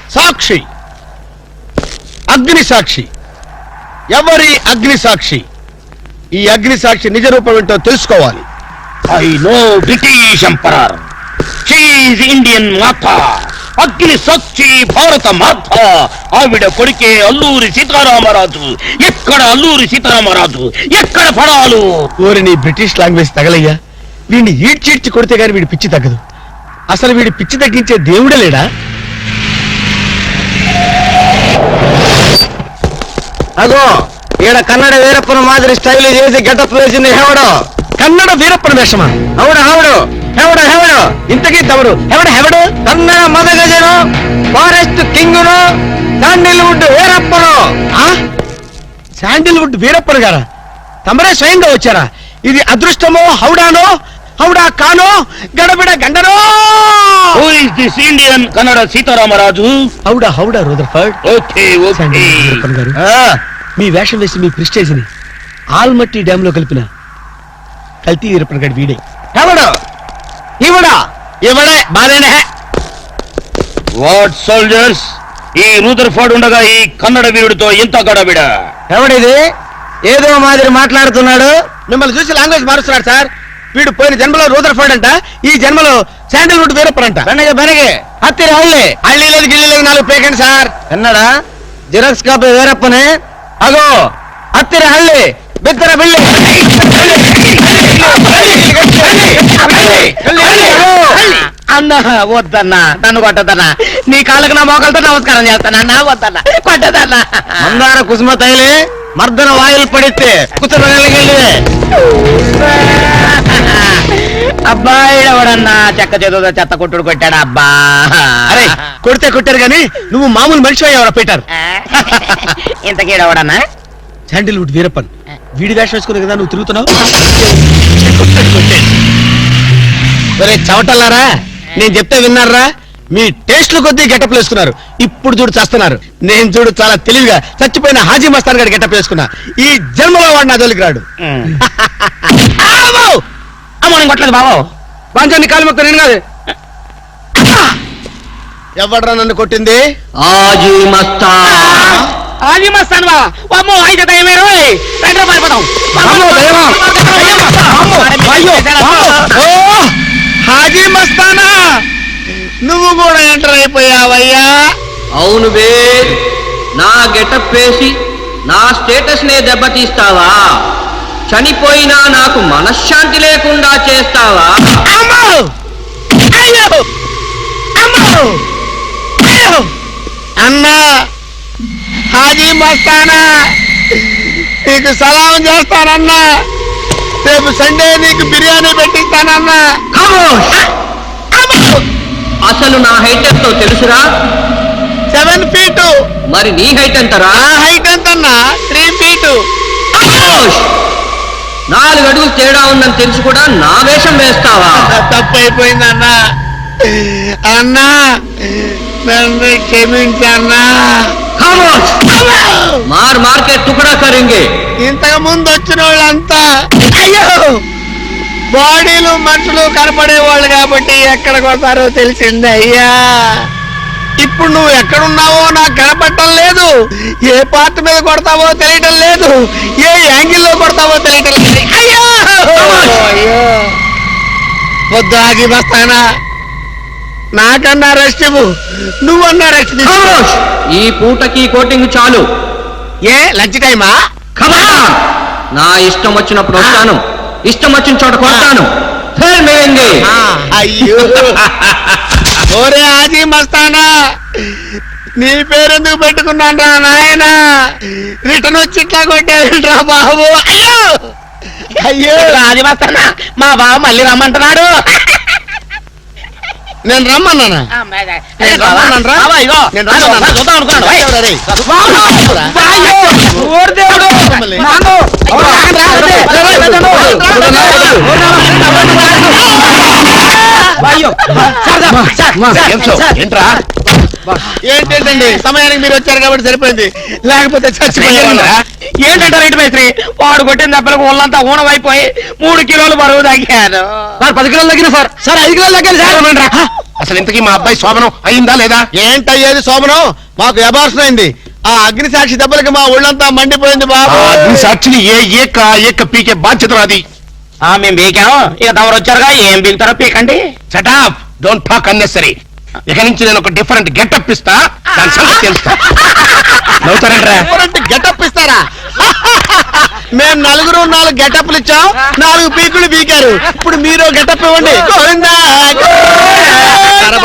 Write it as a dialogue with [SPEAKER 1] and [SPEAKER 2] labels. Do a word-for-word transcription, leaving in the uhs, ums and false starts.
[SPEAKER 1] సాక్షి, అగ్ని సాక్షి. ఎవరి అగ్ని సాక్షి? ఈ అగ్ని సాక్షి నిజ రూపం ఏంటో తెలుసుకోవాలి.
[SPEAKER 2] I know British emperor, she is Indian మాత, అగ్ని సాక్షి భారత మాత. ఆవిడ కొడుకే అల్లూరి సీతారామరాజు. ఎక్కడ అల్లూరి సీతారామరాజు, ఎక్కడ పడాలు?
[SPEAKER 1] ఓరి నీ బ్రిటిష్ లాంగ్వేజ్ తగలయ్యా. వీడిని ఈడ్చీడ్చి కొడితే గాని వీడి పిచ్చి తగ్గదు. అసలు వీడి పిచ్చి తగ్గించే దేవుడే లేడా?
[SPEAKER 3] అగో ఈడ కన్నడ వీరప్పన మాదిరి స్టైల్ చేసి గెటప్ వేసింది హెవడో.
[SPEAKER 1] కన్నడ వీరప్పన వేషమా?
[SPEAKER 3] అవుడు హవుడు హెవడు హెవడు
[SPEAKER 1] ఇంతకీ తమరు ఎవడు హెవడు?
[SPEAKER 3] కన్నడ మదగజను, ఫారెస్ట్ కింగును, శాండిల్వుడ్ వీరప్పను.
[SPEAKER 1] శాండిల్వుడ్ వీరప్పన్ గారా? తమరే స్వయంగా వచ్చారా? ఇది అదృష్టమో హౌడానో, హౌడా కానో, గడబిడ గండనో?
[SPEAKER 2] Who is this Indian Kannada Sitaramaraju?
[SPEAKER 1] హౌడా హౌడా Rutherford.
[SPEAKER 2] Okay okay.
[SPEAKER 1] Sandalwood Veerappan గారు, మీ వేషం వేసి మీ ప్రిస్టేజ్ ని ఆల్మట్టి డ్యామ్ లో కలిపిన కల్తీ వీరప్పన్ గారి వీడే.
[SPEAKER 3] హెవడు ఇవడా
[SPEAKER 1] ఇవడే బాధేనే.
[SPEAKER 2] వాట్ సోల్జర్స్, ఈ రూదర్ఫర్డ్ ఉండగా ఈ కన్నడ వీరుడితో ఇంత గడబిడ?
[SPEAKER 3] ఎవడిది ఏదో మాదిరి మాట్లాడుతున్నాడు?
[SPEAKER 1] మిమ్మల్ని చూసి లాంగ్వేజ్ మారుస్తున్నాడు సార్. వీడు పోయిన జన్మలో రూదర్ఫర్డ్ అంట, ఈ జన్మలో శాండిల్వుడ్ వీరప్పన్ అంట.
[SPEAKER 3] బెనగ బెనగే హత్తిరి హళ్ళి
[SPEAKER 1] హళ్ళీ లేదు గిల్లి లేదు, నాలుగు పేకండి సార్.
[SPEAKER 3] ఎన్నడా జిరాక్స్ కాపీ వీరప్పనే. అగో హత్తిరి హళ్ళి బిత్తర బిల్లి.
[SPEAKER 2] అన్న వద్దన్నా, నన్ను కొట్టదన్నా. నీ కాళ్ళకు నా మోకాలతో నమస్కారం చేస్తానన్నా. వద్దన్నా, కొట్టదన్నా.
[SPEAKER 3] మందార కుసుమ తైలి మర్దన వాయులు పడితే కుతరగలిగే
[SPEAKER 2] అబ్బాయి ఎవడన్నా చెక్క చేతులతో చెత్త కొట్టుడు కొట్టాడా? అబ్బా
[SPEAKER 1] అరే కొడితే కొట్టారు గాని నువ్వు మామూలు మనిషి ఎవరో పెట్టారు.
[SPEAKER 2] ఇంతకీడవడన్నా
[SPEAKER 1] శాండిల్వుడ్ వీరప్పన్ వీడి వేషం వేసుకునే కదా నువ్వు తిరుగుతున్నావు. ఒరే చవటల్లారా, నేను చెప్తే విన్నారా? మీ టేస్ట్లు కొద్దీ గెటప్ వేసుకున్నారు. ఇప్పుడు చూడు చేస్తున్నారు. నేను చూడు చాలా తెలివిగా చచ్చిపోయిన హాజీ మస్తాన్ గారి గెటప్ వేసుకున్నా. ఈ జన్మలో వాడు నా జోలికి రాడు.
[SPEAKER 2] అమ్మ కొట్టలేదు బాబు.
[SPEAKER 1] పంచాన్ని కాలు మొక్క నేను కాదు. ఎవడ్రా నన్ను కొట్టింది?
[SPEAKER 3] ఆజీ మస్తాన్.
[SPEAKER 2] హాజీ మస్తాన్ బా అమ్మో అయితే దయమేరు రెండు పారిపోతాం.
[SPEAKER 1] హాజీ మస్తానా, నువ్వు కూడా ఎంటర్ అయిపోయావయ్యా?
[SPEAKER 3] అవును బే, నా గెటప్ వేసి నా స్టేటస్ నే దెబ్బతీస్తావా? చనిపోయినా నాకు మనశ్శాంతి లేకుండా చేస్తావా?
[SPEAKER 1] అమ్మో! అయ్యో! అమ్మో! అయ్యో! అన్నా హాజీ మస్తానా, నీకు సలాం చేస్తానన్నా. రేపు సండే నీకు బిర్యానీ పెట్టిస్తానన్నా.
[SPEAKER 3] అసలు నా హైట్ ఎంతో తెలుసురా?
[SPEAKER 1] Seven feet.
[SPEAKER 3] మరి నీ హైట్ ఎంతరా?
[SPEAKER 1] నా హైట్ ఎంతన్నా? Three feet.
[SPEAKER 3] నాలుగు అడుగులు తేడా ఉందని తెలిసి కూడా నా వేషం వేస్తావా?
[SPEAKER 1] తప్పైపోయిందన్నా. అన్నా నన్ను క్షమించన్నా.
[SPEAKER 3] మార్ మార్కెట్ టుకడా కరింగే.
[SPEAKER 1] ఇంతకు ముందు వచ్చిన వాళ్ళంతా అయ్యో బాడీలు మనుషులు కనపడే వాళ్ళు కాబట్టి ఎక్కడికి వస్తారో తెలిసింది అయ్యా. ఇప్పుడు నువ్వు ఎక్కడున్నావో నాకు కనపడటం లేదు. ఏ పార్ట్ మీద కొడతావో తెలియటం లేదు. ఏ యాంగిల్లో కొడతావో తెలియటం లేదు. అయ్యో అయ్యో వద్దు ఆగి వస్తానా. నాకన్నా రెస్ట్ ఇవ్వు, నువ్వన్నా రెస్ట్ తీసుకో.
[SPEAKER 3] ఈ పూటకి కోటింగ్ చాలు.
[SPEAKER 1] ఏ లంచ్ టైమా?
[SPEAKER 3] నా ఇష్టం వచ్చినప్పుడు వస్తాను, ఇష్టం వచ్చిన చోట కొడతాను.
[SPEAKER 1] అయ్యో ఓరే ఆజీ మస్తానా, నీ పేరెందుకు పెట్టుకున్నాను రా నాయన? రిటర్న్ వచ్చి ఇట్లా కొట్టేరా బాబు. అయ్యో అయ్యో
[SPEAKER 2] ఆజీ మస్తానా, మా బావ మళ్ళీ రమ్మంటున్నాడు.
[SPEAKER 1] నేను రమ్మన్నానా? నేను రమ్మన్నాను రా. నేను రమ్మన్నాను.
[SPEAKER 2] చూద్దాం అనుకున్నాడు.
[SPEAKER 1] ఏంటండి సమయానికి మీరు వచ్చారు కాబట్టి సరిపోయింది, లేకపోతే చచ్చిపోయారు.
[SPEAKER 2] ఏంటంటారు ఇంటి మేస్త్రి? వాడు కొట్టిన దెబ్బలకు ఒళ్ళంతా ఊనమైపోయి మూడు కిలోలు బరువు తగ్గాను.
[SPEAKER 1] సార్ పది కిలోలు తగ్గిన సార్. సార్ ఐదు కిలోలు తగ్గాను సార్.
[SPEAKER 4] అసలు ఇంతకీ మా అబ్బాయి శోభనం అయిందా లేదా?
[SPEAKER 1] ఏంటయ్యేది శోభనం? మాకు అబార్షన్ అయింది. ఆ అగ్ని సాక్షి దెబ్బలకి మా ఒళ్ళంతా మండిపోయింది బాబు.
[SPEAKER 4] ఆ అగ్ని సాక్షిని ఏ ఏక ఏక పీకే బాధ్యత నాది.
[SPEAKER 2] ఆ మేము బీకాం, ఇక తమరు వచ్చారుగా ఏం బీగుతారో పీకండి.
[SPEAKER 4] Shut up, don't talk unnecessary. ఇక నుంచి నేను ఒక డిఫరెంట్ గెటప్ ఇస్తా, దాని సంగతి తెలుస్తా. నవ్వుతారంట్రా?
[SPEAKER 1] గెటప్ ఇస్తారా? మేము నలుగురు నాలుగు గెటప్లు ఇచ్చాం, నాలుగు పీకులు పీకారు. ఇప్పుడు మీరు గెటప్ ఇవ్వండి. గోవిందా, గోవిందా.